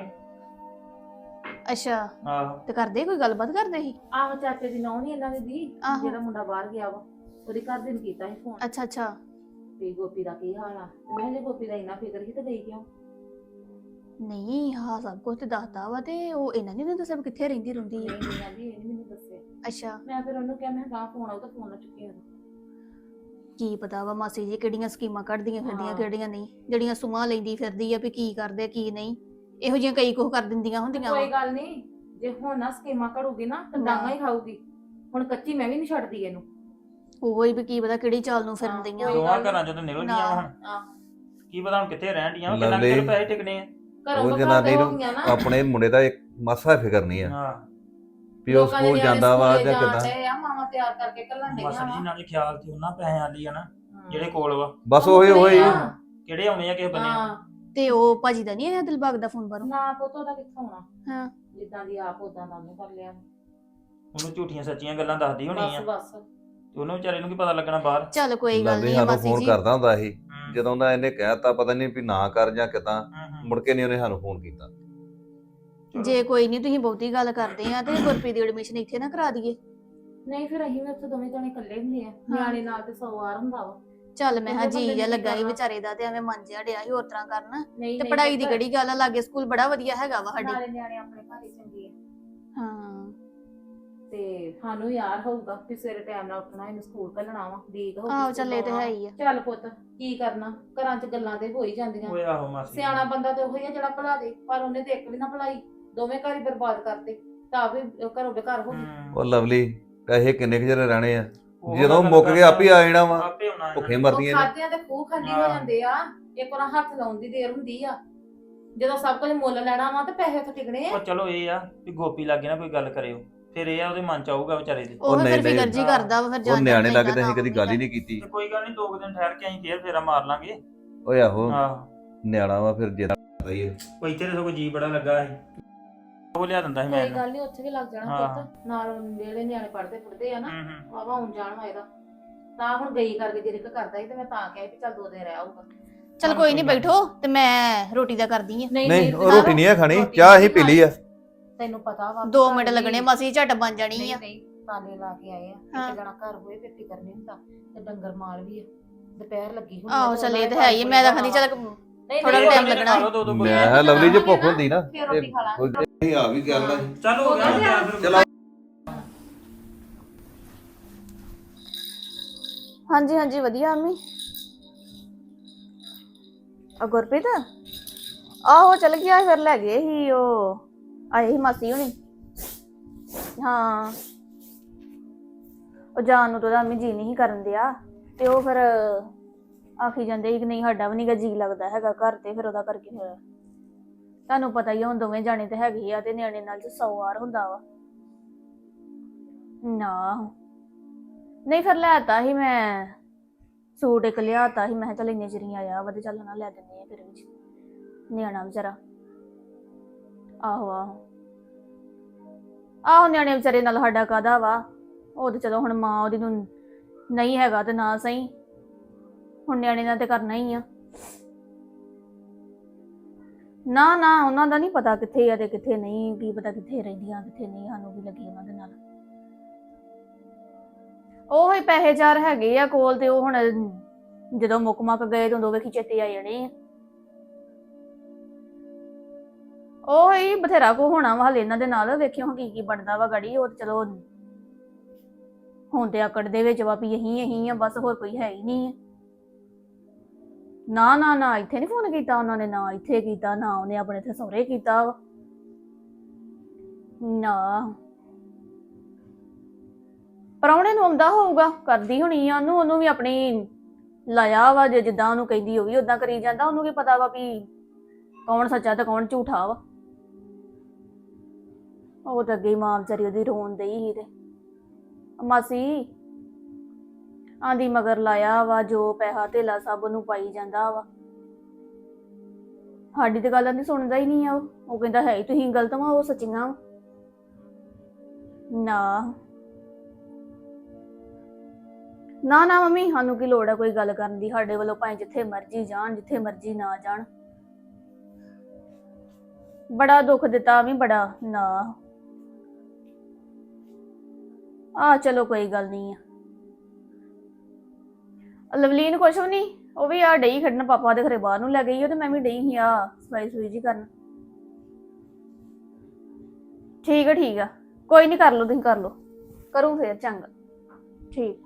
Speaker 4: ਅੱਛਾ
Speaker 5: ਆਹੋ
Speaker 4: ਤੇ ਕਰਦੇ ਕੋਈ ਗੱਲਬਾਤ ਕਰਦੇ ਸੀ
Speaker 2: ਆਹੋ ਚਾਚੇ ਦੀ ਨੌਂ ਨੀ ਇਹਨਾਂ ਦੀ ਦੀ
Speaker 4: ਆਹੋ।
Speaker 2: ਜਿਹੜਾ ਮੁੰਡਾ ਬਾਹਰ ਗਿਆ ਵਾ ਉਹਦੇ ਘਰ ਦੇ ਨੂੰ ਕੀਤਾ ਸੀ ਫੋਨ
Speaker 4: ਅੱਛਾ ਅੱਛਾ
Speaker 2: ਵੀ ਗੋਪੀ ਦਾ ਕੀ ਹਾਲ ਆ ਤੇ ਮੈਂ ਜੇ ਗੋਪੀ ਦਾ ਇੰਨਾ ਫਿਕਰ ਸੀ ਤੇ ਗਈ ਕਿਉਂ
Speaker 4: ਨਹੀਂ ਹਾਂ ਸਭ ਕੁਝ ਤੇ ਦੱਸਦਾ ਵਾ ਤੇ ਉਹ ਇਹਨਾਂ ਨੇ ਤਾਂ ਦੱਸਿਆ ਵੀ ਕਿੱਥੇ ਰਹਿੰਦੀ ਰਹਿੰਦੀ
Speaker 2: ਨਹੀਂ
Speaker 4: ਹੈ
Speaker 2: ਨਹੀਂ ਆਂਦੀ ਇਹ ਨੀ ਮੈਨੂੰ ਦੱਸਿਆ
Speaker 4: ਅੱਛਾ
Speaker 2: ਮੈਂ ਫਿਰ ਉਹਨੂੰ ਕਿਹਾ ਮੈਂ ਗਾਂ ਫੋਨ ਆਉ ਤਾਂ ਫੋਨ ਨਾ ਚੁੱਕੀ ਉਹਦਾ
Speaker 4: ਕੀ ਪਤਾ ਵਾ ਮਾਸੀ ਜੀ ਕਿਹੜੀਆਂ ਸਕੀਮਾਂ ਕੱਢਦੀਆਂ ਫਿਰਦੀਆਂ
Speaker 2: ਹਾਂ।
Speaker 4: ਕਿਹੜੀਆਂ ਨਹੀਂ ਜਿਹੜੀਆਂ ਸੁਮਾਂ ਲੈਂਦੀ ਫਿਰਦੀ ਆ ਵੀ ਕੀ ਕਰਦੇ ਕੀ ਨਹੀਂ ਇਹੋ ਜਿਹੀਆਂ ਕਈ ਕੁਝ ਕਰ ਦਿੰਦੀਆਂ ਹੁੰਦੀਆਂ
Speaker 2: ਕੋਈ
Speaker 4: ਵਾ।
Speaker 2: ਗੱਲ ਨਹੀਂ ਜੇ ਹੁਣ ਨਾ ਸਕੀਮਾਂ ਘੜੂਗੀ ਨਾ ਤਾਂ ਡਾਂਗਾ ਹੀ ਖਾਊਗੀ ਹੁਣ ਕੱਚੀ ਮੈਂ ਵੀ ਨਹੀਂ ਛੱਡਦੀ ਇਹਨੂੰ
Speaker 4: ਉਹੋ ਹੀ ਵੀ ਕੀ ਪਤਾ ਕਿਹੜੀ ਚਾਲ ਨੂੰ ਫਿਰਨ
Speaker 2: ਹਾਂ,
Speaker 4: ਦੀਆਂ
Speaker 2: ਕੋਈ
Speaker 5: ਦੋਵਾਂ
Speaker 2: ਗੱਲ ਨੀ।
Speaker 5: ਘਰਾਂ ਚੋਂ ਤਾਂ ਨਿਕਲ ਗਈਆਂ ਵਾ ਹੁਣ।
Speaker 2: ਆਹ
Speaker 5: ਕੀ ਪਤਾ ਹੁਣ ਕਿੱਥੇ ਰਹਿਣ ਡੀਆਂ ਵਾ, ਕਿੰਨਾ
Speaker 3: ਲਵਲੀ।
Speaker 5: ਕਿਤੇ ਪੈਸੇ ਟਿਕਣੇ ਆ।
Speaker 2: ਘਰੋਂ
Speaker 3: ਉਹ
Speaker 2: ਤੋਂ
Speaker 3: ਜਨਾਨੀ
Speaker 2: ਘਰ
Speaker 3: ਨੂੰ
Speaker 2: ਹੋ ਗਈਆਂ ਨਾ
Speaker 3: ਆਪਣੇ ਮੁੰਡੇ ਦਾ ਇੱਕ ਮਾਸਾ ਫਿਕਰ ਨਹੀਂ ਆ
Speaker 5: ਹਾਂ
Speaker 3: ਵੀ ਉਹ
Speaker 2: ਲੋਕਾਂ ਦੇ
Speaker 3: ਸਕੂਲ
Speaker 2: ਨਿਆਣੇ
Speaker 3: ਜਾਂਦਾ ਵਾ
Speaker 2: ਸਕੂਲੇ
Speaker 3: ਜਾਂ
Speaker 2: ਜਾਣ
Speaker 3: ਕਿੱਦਾਂ
Speaker 2: ਡਏ ਆ ਮਾਵਾਂ ਤਿਆਰ ਕਰਕੇ ਕੱਲਣ ਡਈਆਂ
Speaker 5: ਮਾਸਾ ਜੀ
Speaker 2: ਵਾ
Speaker 5: ਨਾਲੇ ਖਿਆਲ ਤੇ ਉਹਨਾਂ ਪੈਸਿਆਂ ਦੀ ਆ ਨਾ ਜਿਹੜੇ ਕੋਲ ਵਾ।
Speaker 3: ਬਸ ਉਹੀ ਉਹੀ
Speaker 2: ਹਾਂ।
Speaker 5: ਕਿਹੜੇ ਆਉਣੇ ਆ ਕਿਸੇ ਬੰਨੇ।
Speaker 2: ਹਾਂ
Speaker 4: ਤੇ ਉਹ ਭਾਜੀ ਦਾ ਨਹੀਂ ਆਇਆ ਦਿਲਬਾਗ ਦਾ ਫੋਨ ਬਾਹਰੋਂ
Speaker 2: ਨਾ ਪੁੱਤ ਉਹਦਾ ਕਿੱਥੋਂ ਆਉਣਾ
Speaker 4: ਹਾਂ
Speaker 2: ਜਿੱਦਾਂ ਦੀ ਆਪ ਉਦਾਂ ਦਾ ਉਹਨੇ ਕਰ ਲਿਆ
Speaker 5: ਉਹਨੂੰ ਝੂਠੀਆਂ ਸੱਚੀਆਂ ਗੱਲਾਂ ਦੱਸਦੀ ਹੋਣੀ ਆ
Speaker 2: ਬਸ ਬਸ
Speaker 5: ਤੇ ਉਹਨੂੰ ਵਿਚਾਰੇ ਨੂੰ ਕੀ ਪਤਾ ਲੱਗਣਾ ਬਾਹਰ।
Speaker 4: ਚੱਲ ਕੋਈ ਗੱਲ
Speaker 3: ਲਵਲੀ
Speaker 4: ਨਹੀਂ
Speaker 3: ਸਾਨੂੰ
Speaker 4: ਮਾਸੀ
Speaker 3: ਫੋਨ
Speaker 4: ਜੀ
Speaker 3: ਕਰਦਾ ਹੁੰਦਾ ਸੀ
Speaker 5: ਹੂੰ,
Speaker 3: ਜਦੋਂ ਦਾ ਇਹਨੇ ਕਹਿਤਾ ਪਤਾ ਨਹੀਂ ਵੀ ਨਾ ਕਰ ਜਾਂ ਕਿਦਾਂ
Speaker 5: ਹੂੰ, ਹੂੰ।
Speaker 3: ਮੁੜ ਕੇ ਨਹੀਂ ਉਹਨੇ ਸਾਨੂੰ ਫੋਨ ਕੀਤਾ
Speaker 5: ਚਲੋ।
Speaker 4: ਜੇ ਕੋਈ ਨਹੀਂ ਤੁਸੀਂ ਬਹੁਤੀ ਗੱਲ ਕਰਦੇ ਆ ਤੇ ਗੁਰਪ੍ਰੀਤ ਦੀ ਐਡਮਿਸ਼ਨ ਇੱਥੇ ਨਾ ਕਰਾ ਦਈਏ
Speaker 2: ਨਹੀਂ ਫਿਰ ਅਸੀਂ ਵੀ ਉੱਥੇ ਦੋਵੇਂ ਜਣੇ ਇਕੱਲੇ ਹੁੰਦੇ ਆ ਨਿਆਣੇ ਨਾਲ ਤੇ ਸੌ ਵਾਰ ਹੁੰਦਾ ਵਾ
Speaker 4: ਚੱਲ ਮੈਂ ਹਾਂ
Speaker 2: ਉਹਦੇ
Speaker 4: ਜੀ
Speaker 2: ਬੰਦੇ
Speaker 4: ਜਿਹਾ
Speaker 2: ਨੇ
Speaker 4: ਲੱਗਾ ਸੀ
Speaker 2: ਕਰਨਾ।
Speaker 4: ਵਿਚਾਰੇ ਦਾ ਤੇ ਐਵੇਂ ਮਨ ਜਿਹਾ ਡਿਆ ਸੀ ਹੋਰ ਤਰ੍ਹਾਂ ਕਰਨ
Speaker 2: ਨਹੀਂ
Speaker 4: ਤੇ
Speaker 2: ਨਹੀਂ
Speaker 4: ਪੜ੍ਹਾਈ ਦੀ
Speaker 2: ਪੁੱਤ,
Speaker 4: ਕਿਹੜੀ ਗੱਲ ਆ ਲਾਗੇ ਸਕੂਲ ਬੜਾ ਵਧੀਆ ਹੈਗਾ ਵਾ ਸਾਡੀ
Speaker 2: ਨਾਲੇ ਨਿਆਣੇ ਆਪਣੇ ਘਰ ਹੀ ਚੰਗੇ ਆ
Speaker 4: ਹਾਂ
Speaker 2: ਤੇ ਸਾਨੂੰ ਯਾਰ ਹੋਊਗਾ ਕਿ ਸਵੇਰੇ ਟਾਈਮ ਨਾਲ ਉੱਠਣਾ ਇਹਨੂੰ ਸਕੂਲ ਘੱਲਣਾ ਵਾ ਡੀਕ ਹੋਊਗੀ
Speaker 4: ਆਹੋ ਚੱਲ ਇਹ ਤੇ
Speaker 2: ਸਕੂਲੋਂ
Speaker 4: ਹੈ ਹੀ ਆ
Speaker 2: ਚੱਲ ਪੁੱਤ ਕੀ ਕਰਨਾ ਘਰਾਂ 'ਚ ਗੱਲਾਂ ਤੇ ਹੋ ਹੀ ਜਾਂਦੀਆਂ
Speaker 5: ਓਏ ਆਹੋ ਮਾਸੀ।
Speaker 2: ਸਿਆਣਾ ਬੰਦਾ ਤੇ ਉਹੀ ਆ ਜਿਹੜਾ ਭਲਾ ਦੇ ਪਰ ਉਹਨੇ ਤੇ ਇੱਕ ਵੀ ਨਾ ਭਲਾਈ ਦੋਵੇਂ ਘਰ ਹੀ ਬਰਬਾਦ ਕਰਤੇ ਤਾਂ ਵੀ ਘਰੋਂ ਬੇਘਰ ਹੋ ਗਈ
Speaker 5: ਹੂੰ।
Speaker 3: ਉਹ ਲਵਲੀ ਪੈਸੇ ਕਿੰਨੇ ਕੁ ਚਿਰ ਰਹਿਣੇ ਆ
Speaker 5: ਉਹ
Speaker 3: ਜਦੋਂ
Speaker 5: ਗੱਲ
Speaker 3: ਮੁੱਕ ਗਏ ਆਪੇ ਆ ਜਾਣਾ ਵਾ
Speaker 5: ਆਪੇ ਆਉਣਾ
Speaker 3: ਭੁੱਖੇ
Speaker 5: ਇਹਨਾਂ
Speaker 3: ਮਰਦੀਆਂ
Speaker 2: ਉਹ
Speaker 3: ਨੇ
Speaker 2: ਖਾਦਿਆਂ ਤੇ ਖੂਹ ਖਾਲੀ ਹੋ
Speaker 5: ਹਾਂ।
Speaker 2: ਜਾਂਦੇ ਆ ਇੱਕ ਵਾਰ ਹੱਥ ਲਾਉਣ ਦੀ ਦੇਰ ਹੁੰਦੀ ਆ ਜਦੋਂ ਸਭ ਕੁਝ ਮੁੱਲ ਲੈਣਾ ਵਾ ਤੇ ਪੈਸੇ ਉੱਥੇ ਟਿਕਣੇ
Speaker 5: ਨੇ।
Speaker 2: ਆ
Speaker 5: ਉਹ ਚਲੋ ਇਹ ਆ ਵੀ ਗੋਪੀ ਲਾਗੇ ਨਾ ਕੋਈ ਗੱਲ ਕਰਿਓ ਫਿਰ ਇਹ ਆ ਉਹਦੇ ਮਨ ਚ ਆਊਗਾ ਵਿਚਾਰੇ ਦੇ।
Speaker 4: ਉਹ
Speaker 3: ਨਹੀਂ,
Speaker 4: ਫਿਰ
Speaker 3: ਨਹੀਂ,
Speaker 4: ਫਿਕਰ ਜੀ
Speaker 5: ਹਾਂ।
Speaker 4: ਕਰਦਾ ਵਾ ਫਿਰ
Speaker 3: ਉਹ
Speaker 4: ਜਾਣ
Speaker 3: ਨਿਆਣੇ
Speaker 4: ਜਾਂਦਾ
Speaker 3: ਲੱਗੇ ਤਾਂ ਅਸੀਂ
Speaker 4: ਨਾ
Speaker 3: ਕਦੀ ਗੱਲ ਹੀ ਨਹੀਂ ਕੀਤੀ
Speaker 5: ਤੇ ਕੋਈ ਗੱਲ ਨਹੀਂ ਦੋ ਕੁ ਦਿਨ ਠਹਿਰ ਕੇ ਅਸੀਂ ਫੇਰ ਫੇਰਾ ਮਾਰ ਲਾਂਗੇ।
Speaker 3: ਓਏ ਆਹੋ
Speaker 5: ਆਹੋ
Speaker 3: ਨਿਆਣਾ ਵਾ ਫਿਰ ਜਿਹੜਾ ਰਹੀ ਹੈ
Speaker 5: ਉਹ ਇੱਥੇ ਤਾਂ ਸਗੋਂ ਜੀ ਬੜਾ ਲੱਗਾ ਸੀ ਉਹ ਲਿਆ ਦਿੰਦਾ ਸੀ ਮੈਂ
Speaker 2: ਕੋਈ
Speaker 5: ਇਹਨੂੰ।
Speaker 2: ਗੱਲ ਨਹੀਂ ਉੱਥੇ ਵੀ ਲੱਗ ਜਾਣਾ
Speaker 5: ਹਾਂ।
Speaker 2: ਪੁੱਤ ਨਾਲ ਜਿਹੜੇ ਨਿਆਣੇ ਪੜਦੇ ਪੜਦੇ ਆ ਨਾ
Speaker 5: ਹੂੰ ਹੂੰ
Speaker 2: ਵਾਵਾ ਹੁਣ ਜਾਣ ਹੋਏਗਾ ਤਾਂ ਹੁਣ ਗਈ ਕਰਕੇ ਜਿਰਕ ਕਰਦਾ ਸੀ ਤੇ ਮੈਂ ਤਾਂ ਕਿਹਾ ਵੀ ਚੱਲ ਦੋ ਦਿਨ ਰਹਿ ਆਊਗਾ
Speaker 4: ਚੱਲ ਕੋਈ ਨਹੀਂ ਬੈਠੋ ਤੇ ਮੈਂ ਰੋਟੀ ਦਾ ਕਰਦੀ ਆ
Speaker 3: ਨਹੀਂ ਉਹ ਰੋਟੀ ਨਹੀਂ ਹੈ ਖਾਣੀ ਚਾਹ ਹੀ ਪੀ ਲਈ ਆ
Speaker 2: ਤੈਨੂੰ ਪਤਾ ਵਾ
Speaker 4: ਦੋ ਮਿੰਟ ਲੱਗਣੇ ਮਾਸੀ ਝਟ ਬਣ ਜਾਣੀ
Speaker 2: ਨਹੀਂ
Speaker 4: ਆ
Speaker 2: ਨਹੀਂ ਤਾਲੇ ਲਾ ਕੇ ਆਏ ਆ
Speaker 4: ਹਾਂ।
Speaker 2: ਇੱਕ ਜਣਾ ਘਰ ਹੋਏ ਫਿਰ ਫਿਕਰ ਨਹੀਂ ਹੁੰਦਾ ਤੇ ਡੰਗਰ ਮਾਲ ਵੀ ਆ ਦੁਪਹਿਰ ਲੱਗੀ ਹੁੰਦੀ
Speaker 4: ਆਹੋ ਚੱਲ ਇਹ ਤਾਂ ਹੈ ਹੀ ਆ, ਮੈਂ ਤਾਂ ਖਾਂਦੀ ਚੱਲ ਥੋੜਾ
Speaker 5: ਇਹ
Speaker 4: ਟਾਈਮ
Speaker 5: ਖਾ
Speaker 4: ਲੱਗਣਾ
Speaker 5: ਲਓ ਦੋ ਦੋ
Speaker 3: ਮੈਂ ਕਿਹਾ ਲਵਲੀ ਜੇ ਭੁੱਖ ਹੁੰਦੀ ਨਾ
Speaker 2: ਫਿਰ ਰੋਟੀ ਖਾ ਲਾਂਗੇ
Speaker 3: ਕੋਈ ਆ ਵੀ ਗੱਲ ਆ
Speaker 5: ਚੱਲ ਹੋ ਗਿਆ ਤਿਆਰ ਫਿਰ।
Speaker 3: ਚਲੋ।
Speaker 4: ਹਾਂਜੀ ਹਾਂਜੀ ਵਧੀਆ ਮੰਮੀ। ਆ ਗੁਰਪ੍ਰੀਤ ਆਹੋ ਚਲ ਗਿਆ ਫਿਰ ਲੈ ਗਏ ਸੀ ਉਹ ਆਏ ਸੀ ਮਾਸੀ ਹੁਣੀ। ਹਾਂ ਉਹ ਜਾਣ ਨੂੰ ਤਾਂ ਉਹਦਾ ਮੰਮੀ ਜੀ ਨਹੀਂ ਸੀ ਕਰਨ ਦਿਆ ਤੇ ਉਹ ਫਿਰ ਆਖੀ ਜਾਂਦੇ ਸੀ ਕਿ ਨਹੀਂ ਸਾਡਾ ਵੀ ਨੀਗਾ ਜੀ ਲੱਗਦਾ ਹੈਗਾ ਘਰ ਤੇ ਫਿਰ ਉਹਦਾ ਕਰਕੇ ਫਿਰ ਤੁਹਾਨੂੰ ਪਤਾ ਹੀ ਆ ਹੁਣ ਦੋਵੇਂ ਜਾਣੇ ਤੇ ਹੈਗੇ ਆ ਤੇ ਨਿਆਣੇ ਨਾਲ ਚ ਸੌ ਵਾਰ ਹੁੰਦਾ ਵਾ ਨਾ ਨਹੀਂ ਫਿਰ ਲੈਤਾ ਸੀ ਮੈਂ ਸੂਟ ਇੱਕ ਲਿਆਤਾ ਸੀ ਮੈਂ ਕਿਹਾ ਚੱਲ ਇੰਨੇ ਚਿਰ ਹੀ ਆਇਆ ਵਾ ਤੇ ਚੱਲ ਨਾ ਲੈ ਦਿੰਦੇ ਆ ਫਿਰ ਵਿੱਚ ਨਿਆਣਾ ਵਿਚਾਰਾ ਆਹੋ ਆਹੋ ਆਹੋ ਨਿਆਣੇ ਵਿਚਾਰੇ ਨਾਲ ਸਾਡਾ ਕਾਹਦਾ ਵਾ ਉਹ ਤੇ ਚਲੋ ਹੁਣ ਮਾਂ ਉਹਦੀ ਨੂੰ ਨਹੀਂ ਹੈਗਾ ਤੇ ਨਾ ਸਹੀ ਹੁਣ ਨਿਆਣੇ ਨਾਲ ਤੇ ਕਰਨਾ ਹੀ ਆ ਨਾ ਨਾ ਉਹਨਾਂ ਦਾ ਨਹੀਂ ਪਤਾ ਕਿੱਥੇ ਆ ਤੇ ਕਿੱਥੇ ਨਹੀਂ ਕੀ ਪਤਾ ਕਿੱਥੇ ਰਹਿੰਦੀਆਂ ਕਿੱਥੇ ਨਹੀਂ ਸਾਨੂੰ ਵੀ ਲੱਗੀ ਉਹਨਾਂ ਦੇ ਨਾਲ ਉਹ ਹੀ ਪੈਸੇ ਚਾਰ ਹੈਗੇ ਆ ਕੋਲ ਤੇ ਉਹ ਹੁਣ ਜਦੋਂ ਮੁੱਕ ਮੱਕ ਗਏ ਤੇ ਉਦੋਂ ਵੇਖੀ ਚੇਤੇ ਆ ਜਾਣੇ ਆ ਉਹ ਹੀ ਬਥੇਰਾ ਕੋ ਹੋਣਾ ਵਾ ਹਲੇ ਇਹਨਾਂ ਦੇ ਨਾਲ ਵੇਖਿਓ ਕੀ ਕੀ ਬਣਦਾ ਵਾ ਗੜੀ ਉਹ ਚਲੋ ਹੁਣ ਤੇ ਆਕੜ ਦੇ ਵਿੱਚ ਵਾ ਵੀ ਇਹੀ ਇਹੀ ਆ ਬਸ ਹੋਰ ਕੋਈ ਹੈ ਹੀ ਨਹੀਂ ਨਾ ਨਾ ਨਾ ਇੱਥੇ ਨਹੀਂ ਫੋਨ ਕੀਤਾ ਉਹਨਾਂ ਨੇ ਨਾ ਇੱਥੇ ਕੀਤਾ ਨਾ ਉਹਨੇ ਆਪਣੇ ਇੱਥੇ ਸਹੁਰੇ ਕੀਤਾ ਵਾ ਨਾ ਪ੍ਰਾਹੁਣੇ ਨੂੰ ਆਉਂਦਾ ਹੋਊਗਾ ਕਰਦੀ ਹੋਣੀ ਆ ਉਹਨੂੰ ਉਹਨੂੰ ਵੀ ਆਪਣੀ ਲਾਇਆ ਵਾ ਜੇ ਜਿੱਦਾਂ ਉਹਨੂੰ ਕਹਿੰਦੀ ਉਹ ਵੀ ਉਦਾਂ ਕਰੀ ਜਾਂਦਾ ਉਹਨੂੰ ਕੀ ਪਤਾ ਵਾ ਵੀ ਕੌਣ ਸੱਚਾ ਤੇ ਕੌਣ ਝੂਠਾ ਵਾ ਉਹ ਤਾਂ ਅੱਗੇ ਮਾਂ ਵਿਚਾਰੀ ਉਹਦੀ ਰੋਣ ਡਈ ਸੀ ਤੇ ਮਾਸੀ ਆਂਦੀ ਮਗਰ ਲਾਇਆ ਵਾ ਜੋ ਪੈਸਾ ਧੇਲਾ ਸਭ ਉਹਨੂੰ ਪਾਈ ਜਾਂਦਾ ਵਾ ਸਾਡੀ ਤੇ ਗੱਲਾਂ ਨਹੀਂ ਸੁਣਦਾ ਹੀ ਨਹੀਂ ਆ ਉਹ ਉਹ ਕਹਿੰਦਾ ਹੈ ਹੀ ਤੁਸੀਂ ਗਲਤ ਵਾ ਉਹ ਸੱਚੀਆਂ ਨਾ ਨਾ ਨਾ ਮੰਮੀ ਸਾਨੂੰ ਕੀ ਲੋੜ ਆ ਕੋਈ ਗੱਲ ਕਰਨ ਦੀ ਸਾਡੇ ਵੱਲੋਂ ਭਾਵੇਂ ਜਿੱਥੇ ਮਰਜ਼ੀ ਜਾਣ ਜਿੱਥੇ ਮਰਜ਼ੀ ਨਾ ਜਾਣ ਬੜਾ ਦੁੱਖ ਦਿੱਤਾ ਵੀ ਬੜਾ ਨਾ ਆ ਚਲੋ ਕੋਈ ਗੱਲ ਨਹੀਂ ਆ ਲਵਲੀਨ ਕੁਛ ਵੀ ਨਹੀਂ ਉਹ ਵੀ ਆ ਡਈ ਖੜਨ ਪਾਪਾ ਦੇ ਘਰੇ ਬਾਹਰ ਨੂੰ ਲੈ ਗਈ ਉਹ ਤੇ ਮੈਂ ਵੀ ਡਈ ਸੀ ਆ ਸਫਾਈ ਸੂਈ ਜੀ ਕਰਨ ਠੀਕ ਆ ਠੀਕ ਆ ਕੋਈ ਨਹੀਂ ਕਰ ਲਓ ਤੁਸੀਂ ਕਰ ਲਓ ਕਰੂੰ ਫੇਰ ਚੰਗਾ ਠੀਕ